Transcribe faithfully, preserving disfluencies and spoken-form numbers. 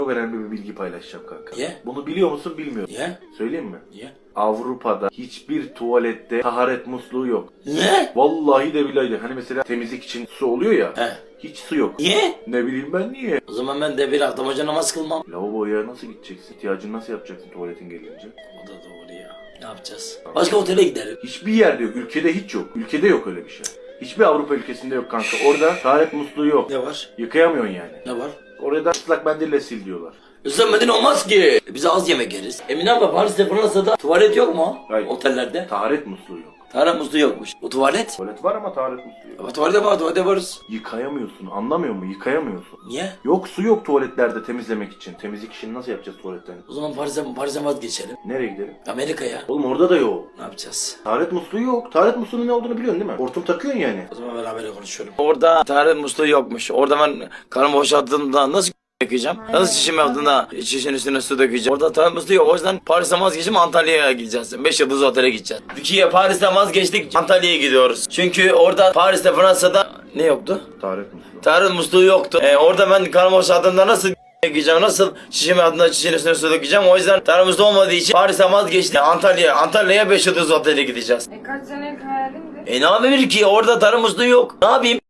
Çok önemli bir bilgi paylaşacağım kanka. Niye? Bunu biliyor musun bilmiyorum. Niye? Söyleyeyim mi? Niye? Avrupa'da hiçbir tuvalette taharet musluğu yok. Ne? Vallahi de billahi de. Hani mesela temizlik için su oluyor ya. He. Hiç su yok. Niye? Ne bileyim ben niye? O zaman ben de bir aklamaca namaz kılmam. Lavaboya nasıl gideceksin? İhtiyacını nasıl yapacaksın tuvaletin gelince? O da doğru ya. Ne yapacağız? Başka otele giderim. Hiçbir yerde yok. Ülkede hiç yok. Ülkede yok öyle bir şey. Hiçbir Avrupa ülkesinde yok kanka. Orada taharet musluğu yok. Ne var? Yıkayamıyorsun yani. Ne var? Orada ıslak mendille sil diyorlar. Islanmadın olmaz ki. Bize az yemek yeriz. Emine abla Paris'te Fransa'da tuvalet yok mu? Hayır. Otellerde. Taharet musluğu yok. Tarih musluğu yokmuş. Bu tuvalet. Tuvalet var ama taharet musluğu yok. Ama tuvalete var, tuvalete varız. Yıkayamıyorsun. Anlamıyor musun? Yıkayamıyorsun. Niye? Yok su yok tuvaletlerde temizlemek için. Temizlik işini nasıl yapacağız tuvaletten? O zaman Paris'e Paris'e vazgeçelim. Nereye gidelim? Amerika'ya. Oğlum orada da yok. Ne yapacağız? Taharet musluğu yok. Taharet musluğunun ne olduğunu biliyorsun değil mi? Hortum takıyorsun yani. O zaman beraber konuşuyorum. Orada tarih musluğu yokmuş. Orada ben karnımı boşalttığımda nasıl dökeceğim? Nasıl şişim yaptığında şişin üstüne su dökeceğim? Orada tarih musluğu yok. O yüzden Paris'ten vazgeçip Antalya'ya gideceğiz. beş yıldızlı otele gideceğiz. Türkiye Paris'ten vazgeçtik. Antalya'ya gidiyoruz. Çünkü orada Paris'te Fransa'da ne yoktu? Taharet musluğu. Tarih musluğu yoktu. Ee, orada ben karnımı boşalttığımda nasıl dökeceğim? Nasıl şişim altında şişin üstüne su dökeceğim? O yüzden tarih musluğu olmadığı için Paris'ten vazgeçtik. Antalya, Antalya'ya beş yıldıızlı otele gideceğiz. E kaç senelik hayalimdi. E ne yapayım ki? Orada tarih musluğu yok. Ne yapayım?